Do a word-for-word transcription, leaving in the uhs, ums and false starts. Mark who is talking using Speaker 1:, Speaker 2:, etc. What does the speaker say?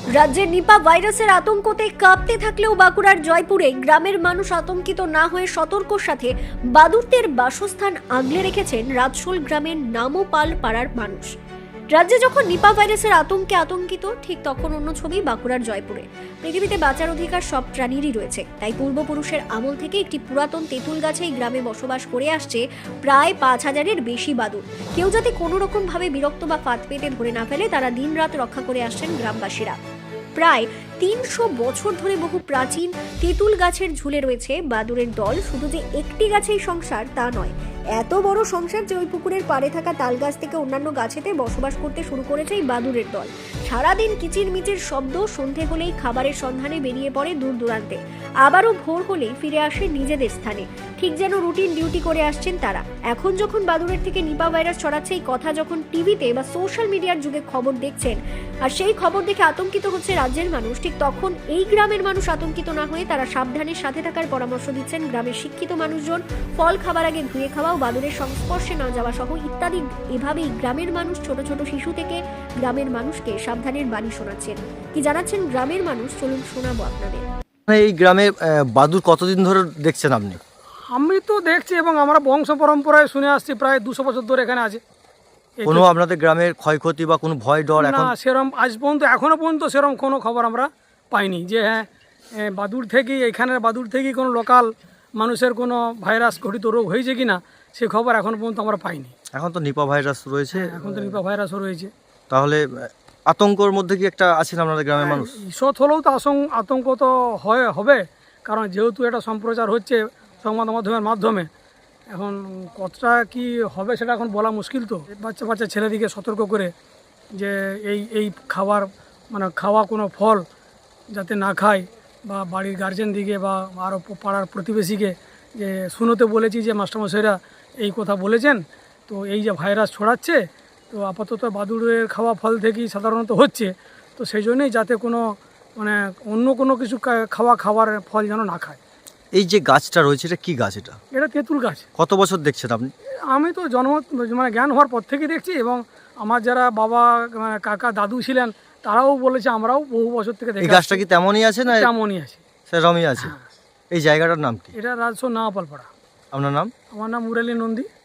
Speaker 1: রাজ্যে নিপা ভাইরাসের আতঙ্কতে কাঁপতে থাকলেও বাঁকুড়ার জয়পুরে গ্রামের মানুষ আতঙ্কিত না হয়ে সতর্কর সাথে বাদুড়দের বাসস্থান আগলে রেখেছেন রাজশোল গ্রামের নামোপাল পাড়ার মানুষ। রাজ্যে যখন নিপা ভাইরাসের আতঙ্কে আতঙ্কিত, ঠিক তখন অন্য ছবি বাঁকুড়ার জয়পুরে। পৃথিবীতে বাঁচার অধিকার সব প্রাণীরই রয়েছে, তাই পূর্বপুরুষের আমল থেকে একটি পুরাতন তেঁতুল গাছে এই গ্রামে বসবাস করে আসছে প্রায় পাঁচ হাজারের বেশি বাদুড়। কেউ যাতে কোনো রকম ভাবে বিরক্ত বা ফাঁদ পেতে ধরে না ফেলে, তারা দিন রাত রক্ষা করে আসছেন গ্রামবাসীরা। প্রায় তিনশো বছর ধরে বহু প্রাচীন তেঁতুল গাছের ঝুলে রয়েছে বাদুড়ের দল। শুধু যে একটি গাছেই সংসার তা নয়, এত বড় সংসার যে ওই পুকুরের পাড়ে থাকা তাল গাছ থেকে অন্যান্য গাছেতে বসবাস করতে শুরু করেছে এই বাদুড়ের দল। সারাদিন কিচির মিচির শব্দ, সন্ধে হলেই খাবারের সন্ধানে বেরিয়ে পড়ে দূর দূরান্তে, আবারও ভোর হলেই ফিরে আসে নিজেদের স্থানে, ঠিক যেন রুটিন ডিউটি করে আসছেন তারা। এখন যখন বাদুড়ের থেকে নিপা ভাইরাস ছড়াচ্ছে এই কথা যখন টিভিতে বা সোশ্যাল মিডিয়ার যুগে খবর দেখছেন, আর সেই খবর দেখে আতঙ্কিত হচ্ছে রাজ্যের মানুষ, ঠিক তখন এই গ্রামের মানুষ আতঙ্কিত না হয়ে তারা সাবধানের সাথে থাকার পরামর্শ দিচ্ছেন গ্রামের শিক্ষিত মানুষজন। ফল খাবার আগে ধুয়ে খাওয়া, বাদুড়ের সংস্পর্শে না যাওয়া সহ ইত্যাদি। এভাবেই গ্রামের মানুষ ছোট ছোট শিশু থেকে গ্রামের মানুষকে সাবধানের বাণী শোনাচ্ছেন। কি জানাচ্ছেন গ্রামের মানুষ, চলুন শোনাবো আপনাদের।
Speaker 2: এই গ্রামে আহ, বাদুড় কতদিন ধরে দেখছেন আপনি?
Speaker 3: আমি তো দেখছি এবং আমরা বংশ পরম্পরায় শুনে আসছি, প্রায় দুশো বছর ধরে এখানে আছে। এই তো-
Speaker 2: কোনো আপনাদের গ্রামের ক্ষয়ক্ষতি বা কোনো ভয় ডর
Speaker 3: না,
Speaker 2: এখন?
Speaker 3: সেরম আজ পর্যন্ত এখনো পর্যন্ত সেরম কোনো খবর আমরা পাইনি যে হ্যাঁ এ, বাদুড় থেকেই, এখানের বাদুড় থেকেই কোনো লোকাল মানুষের কোনো ভাইরাস ঘটিত রোগ হয়েছে কিনা সে খবর এখনো পর্যন্ত আমরা পাইনি।
Speaker 2: এখন তো নিপা ভাইরাস রয়েছে,
Speaker 3: এখন তো নিপা ভাইরাসও রয়েছে।
Speaker 2: তাহলে আহ, আতঙ্কর মধ্যে কি একটা আছেন আপনাদের গ্রামের মানুষ?
Speaker 3: ঈষৎ হলেও তো আশঙ্ক আতঙ্ক তো হয় হবে, কারণ যেহেতু এটা সম্প্রচার হচ্ছে সংবাদ মাধ্যমের মাধ্যমে, এখন কতটা কি হবে সেটা এখন বলা মুশকিল। তো বাচ্চা বাচ্চা ছেলেদিকে সতর্ক করে যে এই এই খাবার মানে খাওয়া কোনো ফল যাতে না খায়, বা বাড়ির গার্জেন দিকে বা আরও পাড়ার প্রতিবেশীকে যে শুনোতে বলেছি যে মাস্টারমশাইরা এই কথা বলেছেন। তো এই যে ভাইরাস ছড়াচ্ছে, তো আপাতত বাদুড়ের খাওয়া ফল থেকেই সাধারণত হচ্ছে, তো সেই জন্যই যাতে কোনো মানে অন্য কোনো কিছু কা- খাওয়া খাবার ফল যেন না খায়।
Speaker 2: এই যে গাছটা রয়েছে, এটা কি গাছ? এটা
Speaker 3: এটা তেঁতুল গাছ।
Speaker 2: কত বছর দেখছেন আপনি?
Speaker 3: আমি তো জন্ম মানে জ্ঞান হওয়ার পর থেকে দেখছি, এবং আমার যারা বাবা মানে কাকা দাদু ছিলেন তারাও বলেছে, আমরাও বহু বছর থেকে
Speaker 2: এই
Speaker 3: দেখে
Speaker 2: গাছটা কি তেমনই আছে না
Speaker 3: তেমনই আছে।
Speaker 2: সেরকমই আছে? এই জায়গাটার নাম কি?
Speaker 3: এটা রাজশো নাওয়াপাল পাড়া।
Speaker 2: আপনার নাম?
Speaker 3: আমার নাম মুরালী নন্দী।